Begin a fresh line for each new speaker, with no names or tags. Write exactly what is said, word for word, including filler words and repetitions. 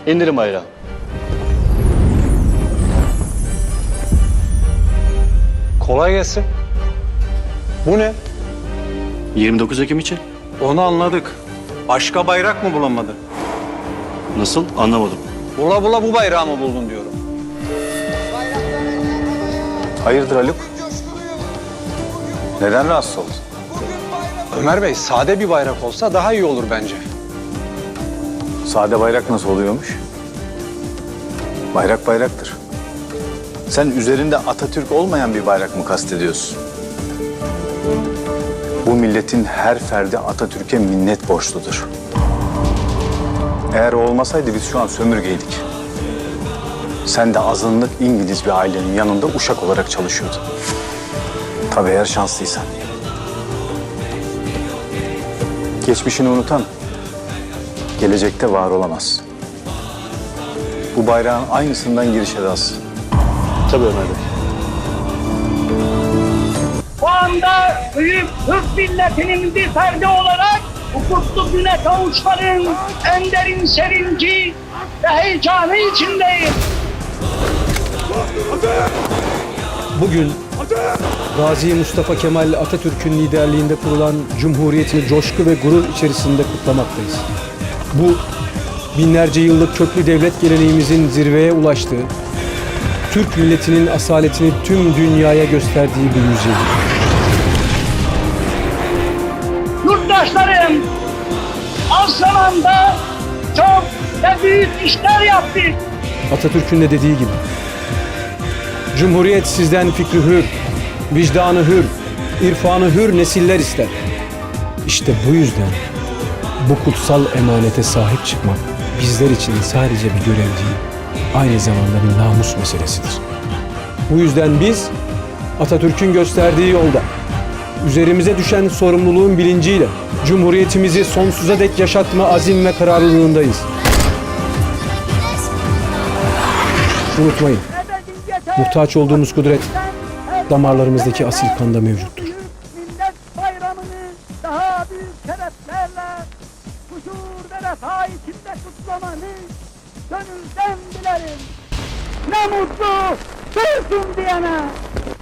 İndirin bayrağı.
Kolay gelsin. Bu ne?
yirmi dokuz Ekim için.
Onu anladık. Başka bayrak mı bulamadın?
Nasıl? Anlamadım.
Bula bula bu bayrağı mı buldun diyorum.
Hayırdır Haluk? Neden rahatsız oldun?
Ömer Bey, sade bir bayrak olsa daha iyi olur bence.
Sade bayrak nasıl oluyormuş? Bayrak bayraktır. Sen üzerinde Atatürk olmayan bir bayrak mı kastediyorsun? Bu milletin her ferdi Atatürk'e minnet borçludur. Eğer o olmasaydı biz şu an sömürgeydik. Sen de azınlık İngiliz bir ailenin yanında uşak olarak çalışıyordun. Tabii eğer şanslıysan. Geçmişini unutan gelecekte var olamaz. Bu bayrağın aynısından giriş edasın.
Tabii Ömer Bey.
Bu anda büyük Türk milletinin bir ferdi olarak bu kutlu güne kavuşmanın en derin sevinci ve heyecanı içindeyim.
Bugün Gazi Mustafa Kemal Atatürk'ün liderliğinde kurulan Cumhuriyeti coşku ve gurur içerisinde kutlamaktayız. Bu binlerce yıllık köklü devlet geleneğimizin zirveye ulaştığı, Türk milletinin asaletini tüm dünyaya gösterdiği bir yüzyıldır.
Yurttaşlarım, az zamanda çok ve büyük işler yaptık.
Atatürk'ün de dediği gibi, Cumhuriyet sizden fikri hür, vicdanı hür, irfanı hür nesiller ister. İşte bu yüzden bu kutsal emanete sahip çıkmak bizler için sadece bir görev değil, aynı zamanda bir namus meselesidir. Bu yüzden biz Atatürk'ün gösterdiği yolda, üzerimize düşen sorumluluğun bilinciyle Cumhuriyetimizi sonsuza dek yaşatma azim ve kararlılığındayız. Unutmayın, muhtaç olduğumuz kudret damarlarımızdaki asil kanda mevcuttur.
Millet bayramını daha büyük şereflerle huzur ve refah içinde kutlamanı gönülden dilerim. Ne mutlu Türk'üm diyene.